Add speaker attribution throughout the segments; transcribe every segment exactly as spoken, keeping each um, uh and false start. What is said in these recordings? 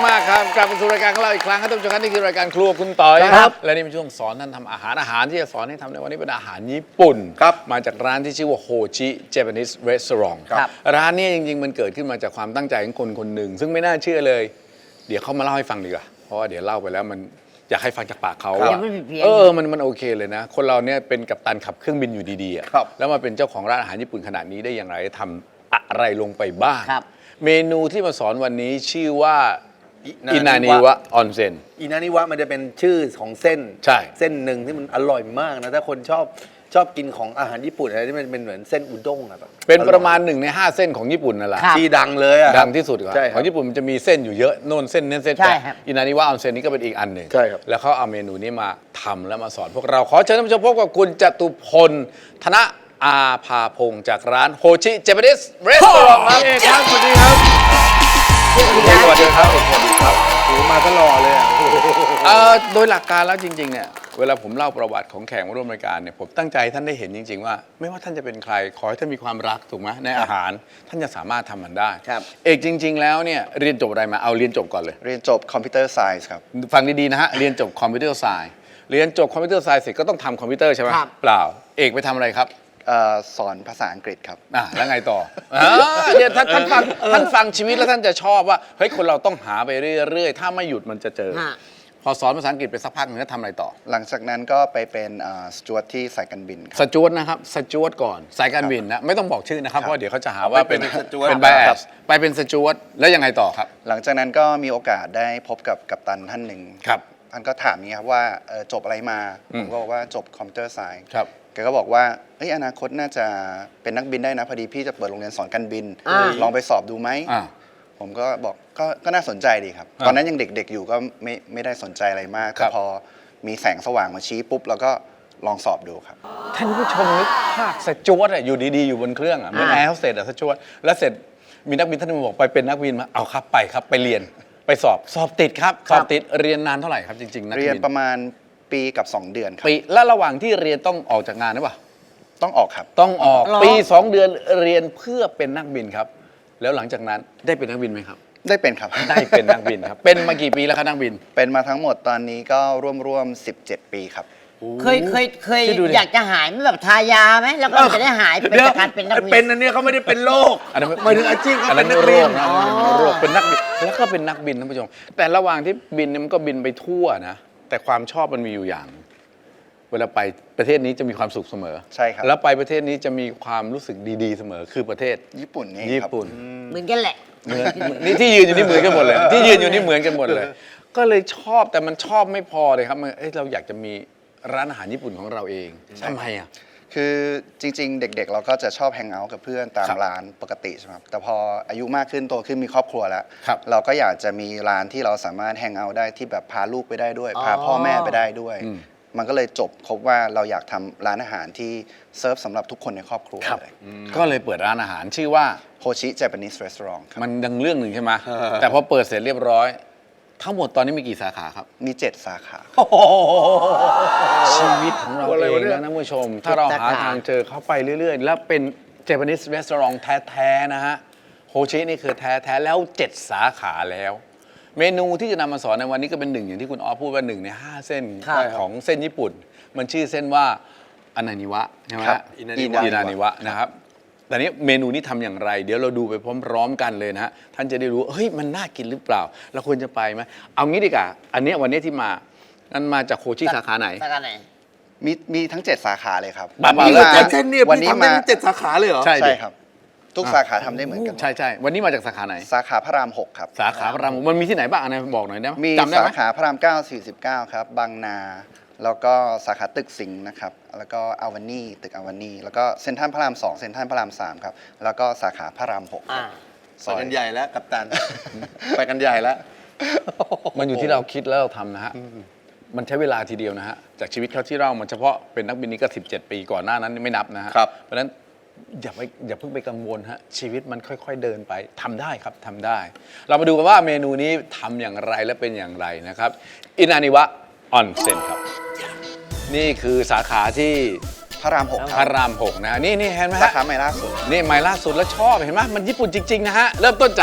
Speaker 1: มากครับกลับมาสู่รายการของเราอีกครั้งครับท่านผู้ชมครับนี่คือรายการครัวคุณต่อยครับและนี่เป็นช่วงสอนท่านทำอาหารอาหารที่จะสอนให้ทำในวันนี้เป็นอาหารญี่ปุ่นครับมาจากร้านที่ชื่อว่าโฮจิเจแปนิสรีสอร์ทครับร้านนี้จริงๆมันเกิดขึ้นมาจากความตั้งใจของคนคนหนึ่งซึ่งไม่น่าเชื่อเลยเดี๋ยวเขามาเล่าให้ฟังดีกว่าเพราะว่าเดี๋ยวเล่าไปแล้วมันอยากให้ฟังจากปากเขาเออมันมันโอเคเลยนะคนเราเนี่ยเป็นกัปตันขับเครื่องบินอยู่ดีๆแล้วมาเป็นเจ้าของร้านอาหารญี่ปุ่นขนาดนี้ได้อย่างไรทำอะไรลงไปบ้างเมนูที่มาสอนวันนี้ชื่อว่าอินานิวะออนเซ็น
Speaker 2: อินานิวะมันจะเป็นชื่อของเส้น
Speaker 1: ใช่
Speaker 2: เส้นหนึ่งที่มันอร่อยมากนะถ้าคนชอบชอบกินของอาหารญี่ปุ่นอะไรที่มันเป็นเหมือนเส้นอุด้งอะแบบ
Speaker 1: เป็นประมาณหนึ่งในห้าเส้นของญี่ปุ่นนั่นแหละ
Speaker 2: ที่ดังเลยอะ
Speaker 1: ดังที่สุดของญี่ปุ่นมันจะมีเส้นอยู่เยอะโน่นเส้นนี้เส้นแต่อินานิวะออนเซ็นนี่ก็เป็นอีกอันหนึ่ง
Speaker 2: ใช่ครับ
Speaker 1: แล้วเขาเอาเมนูนี้มาทำแล้วมาสอนพวกเราขอเชิญท่านผู้ชมพบกับคุณจตุพลธนอาภาพงศ์จากร้านโฮจิเจแปนิสรีสอร์ทครับ
Speaker 2: สวัสดีครับ
Speaker 1: สวัสดีครับสวัสดีครับ
Speaker 2: โอ้มาตลอดเลย
Speaker 1: อ่ะโดยหลักการแล้วจริงๆเนี่ยเวลาผมเล่าประวัติของแขกมาร่วมรายการเนี่ยผมตั้งใจท่านได้เห็นจริงๆว่าไม่ว่าท่านจะเป็นใครขอให้ท่านมีความรักถูกไหมในอาหารท่านจะสามารถทำมันได้เอกจริงๆแล้วเนี่ยเรียนจบอะไรมาเอาเรียนจบก่อนเลย
Speaker 3: เรียนจบคอมพิวเตอร์ไซน์ครับ
Speaker 1: ฟังดีๆนะฮะเรียนจบคอมพิวเตอร์ไซน์เรียนจบคอมพิวเตอร์ไซน์เสร็จก็ต้องทำคอมพิวเตอร์ใช่ไหมเปล่าเอกไปทำอะไรครับ
Speaker 3: สอนภาษาอังกฤษครับ
Speaker 1: อ่าแล้วไงต่อเนี่ยท่านท่านฟังท่านฟังชีวิตแล้วท่านจะชอบว่าเฮ้ยคนเราต้องหาไปเรื่อยๆถ้าไม่หยุดมันจะเจอพอสอนภาษาอังกฤษไปสักพักหนึ่งก็ทำอะไรต่อ
Speaker 3: หลังจากนั้นก็ไปเป็นสจ๊วตที่สายการบิน
Speaker 1: สจ๊วตนะครับสจ๊วตก่อนสายการบินนะไม่ต้องบอกชื่อนะครับเพราะเดี๋ยวเขาจะหาว่าเป็นเป็นไบแอสไปเป็นสจ๊วตแล้วยังไงต่อครับ
Speaker 3: หลังจากนั้นก็มีโอกาสได้พบกับกัปตันท่านหนึ่ง
Speaker 1: ครับ
Speaker 3: ท่านก็ถามนี้ครับว่าจบอะไรมาผมก็บอกว่าจบคอมพิวเตอร์ไซน์
Speaker 1: ครับ
Speaker 3: แกก็บอกว่าเอ้ยอนาคตน่าจะเป็นนักบินได้นะพอดีพี่จะเปิดโรงเรียนสอนการบินลองไปสอบดูไหมผมก็บอกก็ก็น่าสนใจดีครับตอนนั้นยังเด็กๆอยู่ก็ไม่ไม่ได้สนใจอะไรมากแต่พอมีแสงสว่างมาชี้ปุ๊บแล้วก็ลองสอบดูครับ
Speaker 1: ท่านผู้ชมนึกภาพสจ๊วตอยู่ดีๆอยู่บนเครื่องอ่ะเหมือนแอร์โฮสเตสอ่ะสจ๊วตแล้วเสร็จมีนักบินท่านนึงบอกไปเป็นนักบินมาเอาครับไปครับไปเรียนไปสอบสอบติดครับสอบติดเรียนนานเท่าไหร่ครับจริงๆนักบิน
Speaker 3: เรียนประมาณปีกับสองเดือนครับ
Speaker 1: ปีแล้วระหว่างที่เรียนต้องออกจากงานหรือเปล่า
Speaker 3: ต้องออกครับ
Speaker 1: ต้องออกปีสองเดือนเรียนเพื่อเป็นนักบินครับแล้วหลังจากนั้นได้เป็นนักบินไหมครับ
Speaker 3: ได้เป็นครับ
Speaker 1: ได้เป็นนักบินครับเป็นมากี่ปีแล้วครับนักบิน
Speaker 3: เป็นมาทั้งหมดตอนนี้ก็ร่วมๆสิบเจ็ดปีครับ
Speaker 4: เคยเคยเคยอยากจะหายไม่แบบทายาไหมแล้วก็จะได้หายเป็นจากการเป็นนักบิน
Speaker 2: เป็นอันนี้เขาไม่ได้เป็นโรค
Speaker 1: อันนั้น
Speaker 2: หมายถึงอาชีพเขาเป็นนัก
Speaker 1: บิ
Speaker 2: น
Speaker 1: โรคเป็นนักบินแล้วก็เป็นนักบินท่านผู้ชมแต่ระหว่างที่บินมันก็บินไปทั่วนะแต่ความชอบมันมีอยู่อย่างเวลาไปประเทศนี้จะมีความสุขเสมอ
Speaker 3: ใช่ครับ
Speaker 1: แล้วไปประเทศนี้จะมีความรู้สึกดีๆเสมอคือประเทศ
Speaker 3: ญี่ปุ่นนี่
Speaker 1: ญี่ปุ่น
Speaker 4: เหมือนกันแหละ
Speaker 1: นี่ที่ยืนอยู่นี่เหมือนกันหมดเลยที่ยืนอยู่นี่เหมือนกันหมดเลยก็เลยชอบแต่มันชอบไม่พอเลยครับเอ้ยเราอยากจะมีร้านอาหารญี่ปุ่นของเราเองทำไมอ่ะ
Speaker 3: คือจริงๆเด็กๆเราก็จะชอบแฮงเอาท์กับเพื่อนตามร้านปกติใช่ไหมครับแต่พออายุมากขึ้นโตขึ้นมีครอบครัวแล้วเราก็อยากจะมีร้านที่เราสามารถแฮงเอาท์ได้ที่แบบพาลูกไปได้ด้วยพาพ่อแม่ไปได้ด้วยมันก็เลยจบครบว่าเราอยากทำร้านอาหารที่เซิร์ฟสำหรับทุกคนในครอบครัวเลย
Speaker 1: ก็เลยเปิดร้านอาหารชื่อว่า
Speaker 3: โฮชิเจแปนิสรีสอร์ท
Speaker 1: มันดังเรื่องหนึ่งใช่ไหมแต่พอเปิดเสร็จเรียบร้อยทั้งหมดตอนนี้มีกี่สาขาครับ
Speaker 3: มีเจ็ดสาขา
Speaker 1: ชีวิตของเราเองนะท่านผู้ชมถ้าเราหาทางเจอเขาไปเรื่อยๆแล้วเป็นเจแปนิสรีสอร์ทแท้ๆนะฮะโฮชินี่คือแท้ๆแล้วเจ็ดสาขาแล้วเมนูที่จะนำมาสอนในวันนี้ก็เป็นหนึ่งอย่างที่คุณอ๋อพูดว่าหนึ่งในห้าเส้นของเส้นญี่ปุ่นมันชื่อเส้นว่าอนานิวะใช่ไหมครับอินานิวะนะครับแต่นี้เมนูนี้ทำอย่างไรเดี๋ยวเราดูไปพร้อมๆกันเลยนะฮะท่านจะได้รู้เฮ้ยมันน่ากินหรือเปล่าเราควรจะไปไหมเอางี้ดีกว่าอันนี้วันนี้ที่มานั่นมาจากโฮชิสาขาไหน
Speaker 4: สาขาไหน
Speaker 3: มีมีทั้งเจ็ดสาขาเลยครับ
Speaker 2: เส้นนี้วันนี้มาเจ็ดสาขาเลยเหรอ
Speaker 3: ใช่ครับทุกสาขาทำได้เหมือนกัน
Speaker 1: ใช่ใช่วันนี้มาจากสาขาไหน
Speaker 3: สาขาพระรามหกครับ
Speaker 1: สาขาพระรามหกมันมีที่ไหนบ้างอะไรบอกหน่อยได้ไหม
Speaker 3: มีสาขาพระรามเก้า สี่สิบเก้าครับบางนาแล้วก็สาขาตึกสิงห์นะครับแล้วก็อาวานี่ตึกอาวานี่แล้วก็เซ็นทรัลพระรามสองเซ็นทรัลพระรามสามครับแล้วก็สาขาพระรามหก
Speaker 2: ไปกันใหญ่แล้วกัปตันไปกันใหญ่แล้ว
Speaker 1: มันอยู่ที่เราคิดแล้วเราทำนะฮะมันใช้เวลาทีเดียวนะฮะจากชีวิตเขาที่เรามันเฉพาะเป็นนักบินนี้ก็สิบเจ็ดปีก่อนหน้านั้นไม่นับนะฮะเพราะฉะนั้นอย่าไปอย่าเพิ่งไปกังวลฮะชีวิตมันค่อยๆเดินไปทำได้ครับทำได้เรามาดูกันว่าเมนูนี้ทำอย่างไรและเป็นอย่างไรนะครับอินานิวะออนเซ็นครับนี่คือสาขาที่
Speaker 3: พระรามหก
Speaker 1: พระรามหกนะนี่นี่เห็นไหมฮะ
Speaker 3: สาขาใหม่ล่าสุด
Speaker 1: นี่ใหม่ล่าสุดแล้วชอบเห็นไหมมันญี่ปุ่นจริงๆนะฮะเริ่มต้นจาก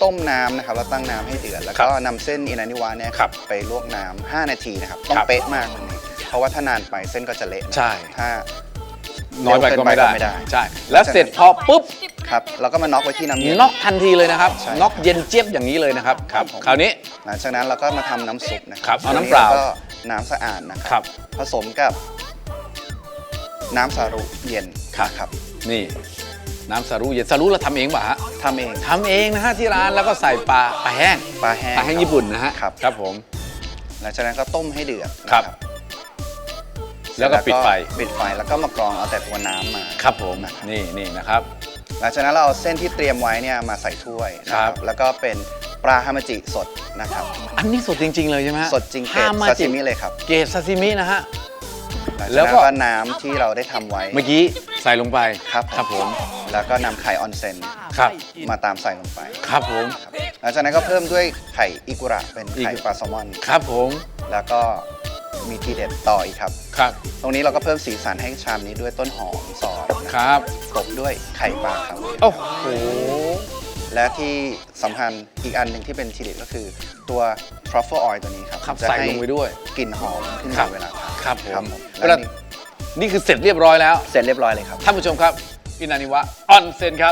Speaker 3: ต้มน้ำนะครับแล้วตั้งน้ำให้เดือดแล้วก็นำเส้นอินานิวะเนี่ย
Speaker 1: ครับ
Speaker 3: ไปลวกน้ำห้านาทีนะครับต้อง
Speaker 1: ครับ
Speaker 3: เป๊ะมากตรงนี้เพราะว่าถ้านานไปเส้นก็จะเละนะ
Speaker 1: ใช่
Speaker 3: ถ้า
Speaker 1: น้อยไปก็ไม่ได้
Speaker 3: เร็วเกินไปก็ไม่ได้
Speaker 1: ใช่แล้วเสร็จพอปุ๊บ
Speaker 3: ครับเราก็มาน็อกไว้ที่น้ำเย็น
Speaker 1: น็อกทันทีเลยนะครับ
Speaker 3: ใช่
Speaker 1: น็อกเย็นเจี๊ยบอย่างนี้เลยนะครับ
Speaker 3: ครับ
Speaker 1: คราวนี้
Speaker 3: หลังจากนั้นเราก็มาทำน้ำซุปนะค
Speaker 1: ครั
Speaker 3: รับ
Speaker 1: เอาน้ำเปล่า
Speaker 3: แล้วก็น้ำสะอาดนะค
Speaker 1: ครั
Speaker 3: รับ ผสมกับน้ำสารุเย็น
Speaker 1: ครับ
Speaker 3: ครับ
Speaker 1: นี่น้ำสารูเย็นสารูเราทำเองป่ะฮะ
Speaker 3: ทำเอง
Speaker 1: ทำเองนะฮะที่ร้านแล้วก็ใส่ปลาปลาแห้ง
Speaker 3: ปลาแห้ง
Speaker 1: ปลาแห้งญี่ปุ่นนะฮะ
Speaker 3: ครับ
Speaker 1: ครับผม
Speaker 3: หลังจากนั้นก็ต้มให้เดือดนะครับ
Speaker 1: แล้วก็ปิดไฟ
Speaker 3: ปิดไฟแล้วก็มากรองเอาแต่ตัวน้ำมา
Speaker 1: ครับผม
Speaker 3: นะครับ
Speaker 1: นี่นี่นะครับ
Speaker 3: หลังจากนั้นเราเอาเส้นที่เตรียมไว้เนี่ยมาใส่ถ้วยนะค
Speaker 1: ครั
Speaker 3: รับ บแล้วก็เป็นปลาฮามาจิสดนะครับ
Speaker 1: อันนี้สดจริง ๆ เลยใช่ไหมฮะ
Speaker 3: สดจริงเกร
Speaker 1: ฮา
Speaker 3: ด
Speaker 1: มา
Speaker 3: ซา
Speaker 1: จิ
Speaker 3: ซิมิเลยครับ
Speaker 1: เกรดซาซิมินะฮะ
Speaker 3: หลัง
Speaker 1: แล้
Speaker 3: จาก
Speaker 1: วก็
Speaker 3: นั้นก็น้ำที่เราได้ทำไว้
Speaker 1: เมื่อกี้ใส่ลงไป
Speaker 3: ครับ
Speaker 1: ครับผม
Speaker 3: แล้วก็นำไข่ออนเซน
Speaker 1: ครับ
Speaker 3: มาตามใส่ลงไป
Speaker 1: ครับผม
Speaker 3: หลังจากนั้นก็เพิ่มด้วยไข่อิกุระเป็นไข่
Speaker 1: อิกุ
Speaker 3: ปลาแซลมอน
Speaker 1: ครับผม
Speaker 3: แล้วก็มีทีเด็ดต่ออีกครับ
Speaker 1: ครับ
Speaker 3: ตรงนี้เราก็เพิ่มสีสันให้ชามนี้ด้วยต้นหอมซอยนะ
Speaker 1: ค
Speaker 3: ครับ
Speaker 1: รับ
Speaker 3: กลบด้วยไข่ปลาครับ
Speaker 1: โอ้โห
Speaker 3: และที่สำคัญอีกอันหนึ่งที่เป็นทีเด็ดก็คือตัว truffle oil ตัวนี้ครับ
Speaker 1: ครับ
Speaker 3: จะ
Speaker 1: ใส่
Speaker 3: ห้
Speaker 1: ลงไปด้วย
Speaker 3: กลิ่นหอมขึ้น
Speaker 1: ครั
Speaker 3: มา
Speaker 1: บ
Speaker 3: เวลาทาน
Speaker 1: ครับผม
Speaker 3: และ
Speaker 1: แล้ว
Speaker 3: นี่
Speaker 1: นี่คือเสร็จเรียบร้อยแล้ว
Speaker 3: เสร็จเรียบร้อยเลยครับ
Speaker 1: ท่านผู้ชมครับอินานิวะออนเซนครับ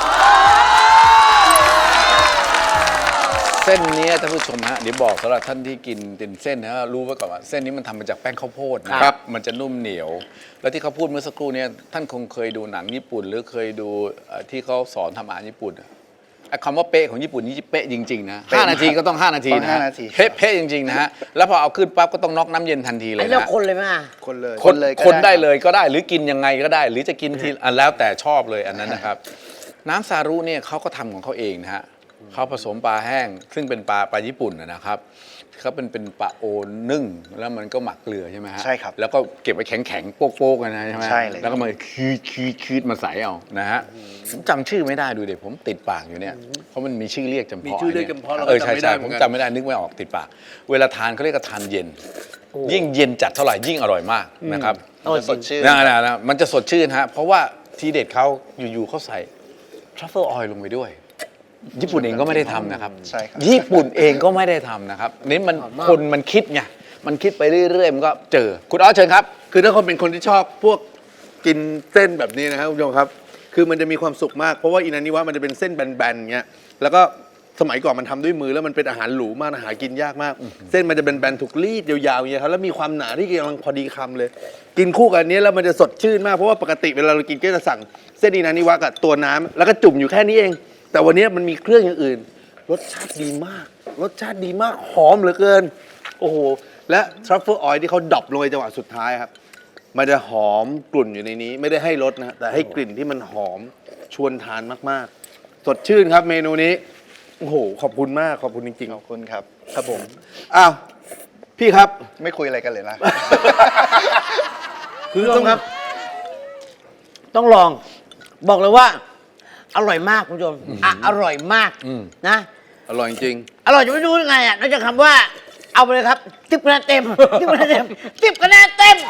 Speaker 1: เส้นนี้ท่านผู้ชมฮะเดี๋ยวบอกสำหรับท่านที่กินเป็นเส้นนะรู้ไว้ก่อนว่าเส้นนี้มันทำมาจากแป้งข้าวโพดนะครับมันจะนุ่มเหนียว แล้วที่เขาพูดเมื่อสักครู่เนี้ท่านคงเคยดูหนังญี่ปุ่น หรือเคยดูเอ่อที่เขาสอนทำอาหารญี่ปุ่นอะไอ้คำว่าเป๊ะของญี่ปุ่นนี่เป๊ะจริงๆนะห้านาทีก็ต้องห้านาที
Speaker 3: ต้อง
Speaker 1: นะ
Speaker 3: ห้า
Speaker 1: ฮะ
Speaker 3: นาที
Speaker 1: เป๊ะเป๊ะจริงๆนะฮะแล้วพอเอาขึ้นปั๊บก็ต้องน็อกน้ำเย็นทันทีเล
Speaker 4: อัน
Speaker 1: ย
Speaker 4: นี้เรา
Speaker 1: นะ
Speaker 4: คนเลยไหมอ่ะ
Speaker 3: คนเลย
Speaker 1: คน
Speaker 3: เลยก็
Speaker 1: คนได้
Speaker 3: ครับ
Speaker 1: เลยก็ได้หรือกินยังไงก็ได้ หรือจะกินทีอันแล้วแต่ชอบเลยอันนั้นนะครับ น้ำซารุเนี่ยเขาก็ทำของเขาเองนะฮะเขาผสมปลาแห้ง ซึ่งเป็นปลาปลาญี่ปุ่นนะนะครับเขาเป็นเป็นปลาโอนึ่งแล้วมันก็หมักเกลือใช่ไหมฮะ
Speaker 3: ใช่ครับ
Speaker 1: แล้วก็เก็บไว้แข็งแข็งๆโป๊กๆกันนะใช่ไหม
Speaker 3: ใช่เลย
Speaker 1: แล้วก็มาคืดคืดคืดมาใส่เอานะฮะผมจำชื่อไม่ได้ดูเดี๋ยวผมติดปากอยู่เนี่ยเพราะมันมีชื่อเรียกจำเพาะ
Speaker 2: มีชื่อเรียกจำเพาะเราก็
Speaker 1: เออใช่
Speaker 2: จำไม่ได้
Speaker 1: ใช่
Speaker 2: เหมื
Speaker 1: ผ
Speaker 2: อน
Speaker 1: ม
Speaker 2: กัน
Speaker 1: จำไม่ได้นึกไม่ออกติดปาก เวลาทานเขาเรียกว่าทานเย็น ยิ่งเย็นจัดเท่าไหร่ยิ่งอร่อยมากนะครับ
Speaker 3: มันจะสดชื่น
Speaker 1: นะนะนะมันจะสดชื่นฮะ เพราะว่าทีเด็ดเขาอยู่ๆเขาใส่ truffle oil ลงไปด้วย ญี่ปุ่นเองก็ไม่ได้ทำนะครับ
Speaker 3: ใช่ครับ
Speaker 1: ญี่ปุ่นเองก็ไม่ได้ทำนะครับนี่มันคนมันคิดไง มันคิดไปเรื่อยๆ มันก็เจอ คุณอ๋อเชิญครับ
Speaker 2: คือถ้าคนเป็นคนที่ชอบพวกกินเส้นแบบนี้นะครับคุณผู้ชมครับ คือมันจะมีความสุขมากเพราะว่าอินานิวะมันจะเป็นเส้นแบนๆอย่างเงี้ยแล้วก็สมัยก่อนมันทำด้วยมือแล้วมันเป็นอาหารหรูมากหากินยากมาก เส้นมันจะเป็นแบนๆถูกรีดยาวๆอย่างเงี้ยครับแล้วมีความหนาที่กำลังพอดีคำเลย กินคู่กับอันนี้แล้วมันจะสดชื่นมากเพราะว่าปกติเวลาเรากินก็จะสั่งเส้นอินานิวะกับตัวน้ำแล้วก็จุ่มอยู่แค่นี้เอง แต่วันนี้มันมีเครื่องอย่างอื่น รสชาติดีมาก รสชาติดีมากหอมเหลือเกิน โอ้โหและทรัฟเฟิลออยล์ที่เขาดรอปลงในจังหวะสุดท้ายครับ มันจะหอมกลุ่นอยู่ในนี้ ไม่ได้ให้รสนะแต่ให้กลิ่นที่มันหอมชวนทานมากๆ สดชื่นครับเมนูนี้โอ้โหขอบคุณมากขอบคุณจริง
Speaker 3: ขอบคุณครับ
Speaker 2: ๆครับผมอ้าวพี่ครับ
Speaker 3: ไม่คุยอะไรกันเลยนะ
Speaker 2: คุณผู้ชมครับ
Speaker 4: ต้องลอง บอกเลยว่า อร่อยมากคุณผู้ชมอ่ะอร่อยมาก
Speaker 1: อืม
Speaker 4: นะ
Speaker 2: อร่อยจริง
Speaker 4: อร่อยจะไม่รู้ยังไงอ่ะนอกจากคำว่า เอาไปเลยครับสิบคะแนนเต็มสิบคะแนนเต็มสิบคะแนนเต็ม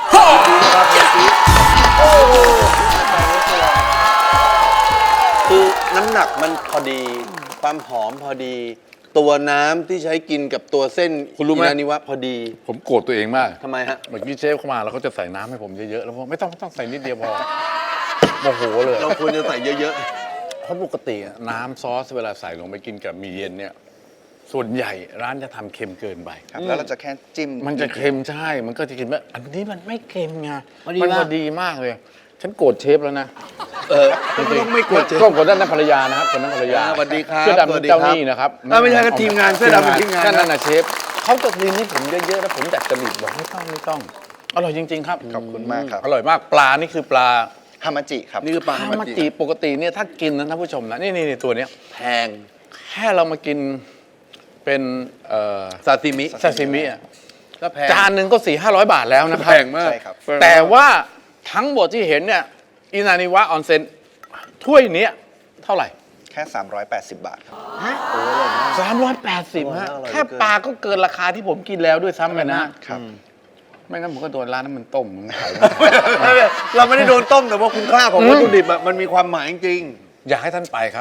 Speaker 2: คือน้ำหนักมันพอดี ความหอมพอดี ตัวน้ำที่ใช้กินกับตัวเส้น
Speaker 1: คุณรู้ไหม
Speaker 2: อินานิวะพอดี
Speaker 1: ผมโกรธตัวเองมาก
Speaker 2: ทำไมฮะ
Speaker 1: เมื่อกี้เชฟเข้ามาแล้วเขาจะใส่น้ำให้ผมเยอะๆ แล้วผมไม่ต้องไม่ต้องใส่นิดเดียวพอโมโหเลย
Speaker 2: เราควรจะใส่เยอะ
Speaker 1: เพราะปกติอะน้ำซอสเวลาใส่ลงไปกินกับหมีเย็นเนี่ย ส่วนใหญ่ร้านจะทำเค็มเกินไป
Speaker 3: ครับแล้วเราจะแค่จิ้ม
Speaker 1: มันจะเค็มใช่ มันก็จะกินว่าอันนี้มันไม่เค็มไง
Speaker 4: พอดี
Speaker 1: มัน
Speaker 4: มาก
Speaker 1: พอดีมากเลย ฉันโกรธเชฟแล้วนะ
Speaker 2: ๆ เออไม่ต้องไม่กดเจ
Speaker 1: ก็คนนั้นนะภรรยานะครับคนนั้นภรรยา
Speaker 2: อ่าสวัสดีครับ
Speaker 1: เสื้อดำ
Speaker 2: สวั
Speaker 1: เป็
Speaker 2: ส
Speaker 1: น
Speaker 2: ดี
Speaker 1: เจ้า
Speaker 2: ครับ
Speaker 1: หนี้นะครับ
Speaker 2: อ่าไม่ใช่ครับทีมงานเสื้อดำเป็นทีมงาน
Speaker 1: ก็นั่นนะเชฟเขาจะกินให้ผมเยอะๆแล้วผมจัดจริตบอกไม่ต้องไม่ต้อง อร่อยจริง ๆ ครับ
Speaker 3: ขอบคุณมากครับ
Speaker 1: อร่อยมากปลานี่คือปลา
Speaker 3: ฮามาจิครับ
Speaker 2: นี่คือปลา
Speaker 1: ฮา
Speaker 2: ฮา
Speaker 1: มา
Speaker 2: มา
Speaker 1: จิ
Speaker 2: จิ
Speaker 1: ปกติเนี่ยถ้ากินนะท่านผู้ชมนะนี่นี่นี่ตัวเนี้ย
Speaker 2: แพง
Speaker 1: แค่เรามากินเป็นเอ่อ
Speaker 2: ซาซิมิ
Speaker 1: ซาซิมิอะ
Speaker 2: ก็แพง
Speaker 1: จานหนึ่งก็สี่ห้าร้อยบาทแล้วนะครับ
Speaker 2: แพงมาก
Speaker 3: ใช่ครับ
Speaker 1: แต่ว่าทั้งหมดที่เห็นเนี่ยอินานิวะออนเซ็นถ้วยเนี้ยเท่าไหร่
Speaker 3: แค่ สามร้อยแปดสิบบาทครับ
Speaker 4: ฮะ
Speaker 1: สามร้อยแปดสิบฮะ
Speaker 2: อร่อย
Speaker 1: แค่ปลาก็เกินราคาที่ผมกินแล้วด้วยซ้ำไปนะ
Speaker 3: ครับ
Speaker 1: ไม่งั้นผมก็โดนร้านน้ำมันต้มมึงขาย
Speaker 2: เราไม่ได้โดนต้มแต่ว่าคุณค่าของวัตถุดิบอะมันมีความหมายจริง
Speaker 1: อยากให้ท่านไปครับ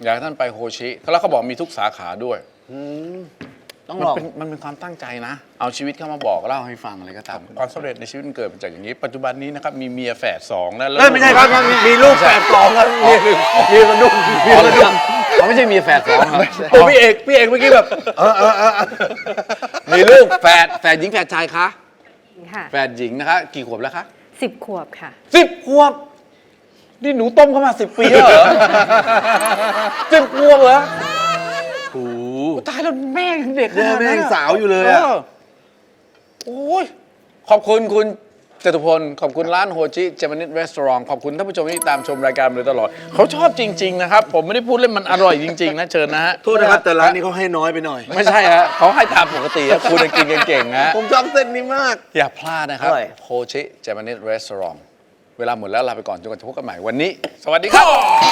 Speaker 1: อยากให้ท่านไปโฮชิแล้วเขาบอกมีทุกสาขาด้วย
Speaker 4: ต้อง
Speaker 1: มัน
Speaker 4: ลอง
Speaker 1: เป็นมันเป็นความตั้งใจนะ เอาชีวิตเข้ามาบอกเล่าให้ฟังอะไรก็ตามความสำเร็จในชีวิตมันเกิดมาจากอย่างนี้ ปัจจุบันนี้นะครับมีเมียแฝดสองนะแล้ว
Speaker 2: เอ้ยไม่ใช่ครับมีลูกแฝดสองครับมีหนึ่งมีกระดุมมีกระดุม
Speaker 1: เขาไม่ใช่เมียแฝดสองครับ
Speaker 2: โอ้พี่เอกพี่เอกเมื่อกี้แบบเออเออเออ
Speaker 1: มีลูกแฝดแฝดหญิงแฝดชายคะ
Speaker 5: ค่ะ
Speaker 1: แฝดหญิงนะคะกี่ขวบแล้วคะ
Speaker 5: สิบขวบค่ะ
Speaker 1: สิบขวบนี่หนูต้มเข้ามาสิบปีแล้วเหรอสิบขวบเหรอ
Speaker 2: โอ้โห
Speaker 1: ตายแล้วแม่ยังเด็กขนาด
Speaker 2: แม่
Speaker 1: นั้น
Speaker 2: ยัง
Speaker 1: อะ
Speaker 2: สาวอยู่เลยอะ
Speaker 1: โอ้ยขอบคุณคุณจตุพล ขอบคุณร้านโฮจิเจแปนิสรีสอร์ทขอบคุณท่านผู้ชมที่ตามชมรายการมาโดยตลอด เขาชอบจริง ๆ นะครับ ผมไม่ได้พูดเล่นมันอร่อยจริง ๆ นะ เชิญนะฮะ
Speaker 2: โทษนะครับแต่ร้านนี้เขาให้น้อยไปหน่อย
Speaker 1: ไม่ใช่ฮะเขาให้ตามปกติครับคุณกินกันเก่งฮะ
Speaker 2: ผมชอบเส้นนี้มาก
Speaker 1: อย่าพลาดนะครับ
Speaker 4: อร่อย
Speaker 1: โฮจิเจแปนิสรีสอร์ทเวลาหมดแล้วลาไปก่อนจนกว่าจะพบกันใหม่วันนี้ สวัสดีครับ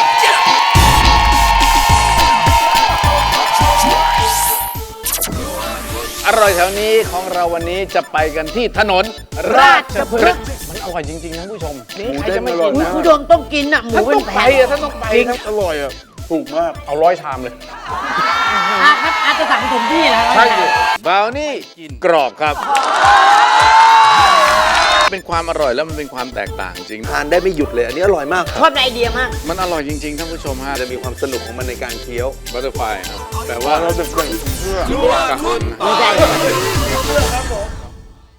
Speaker 1: อร่อยแถวนี้ของเราวันนี้จะไปกันที่ถนนราชพฤกษ์มันอร่อยจริง ๆ นะผู้ชมใครจะไม่กิน
Speaker 4: อุ๊ย
Speaker 1: นะ
Speaker 4: คุณผู้ชมต้องกินอ่ะ หมู
Speaker 1: ท่าน
Speaker 4: เป็
Speaker 1: ต้
Speaker 4: น
Speaker 1: อง
Speaker 4: แผ
Speaker 1: ไป
Speaker 4: ง
Speaker 1: อ่ะท่านต้องไปครับอร่อยอ่ะ
Speaker 2: ถูกมาก
Speaker 1: เอาร้อยชามเลย
Speaker 4: อ่ะครับอาจจะสั่งผมที่นะ
Speaker 1: ใช่บราวนี่กรอบครับ เป็นความอร่อยแล้วมันเป็นความแตกต่างจริง
Speaker 2: ทานได้ไม่หยุดเลย อันนี้อร่อยมาก
Speaker 4: ชอบไอเดียมาก
Speaker 1: มันอร่อยจริง ๆ ท่านผู้ชมฮะ
Speaker 2: จะมีความสนุกของมันในการเคี้ยว
Speaker 1: บัตเตอร์ไฟครับแต่ว่าเราจะเป็นเพื่อกับมัน
Speaker 4: ไม่ใช่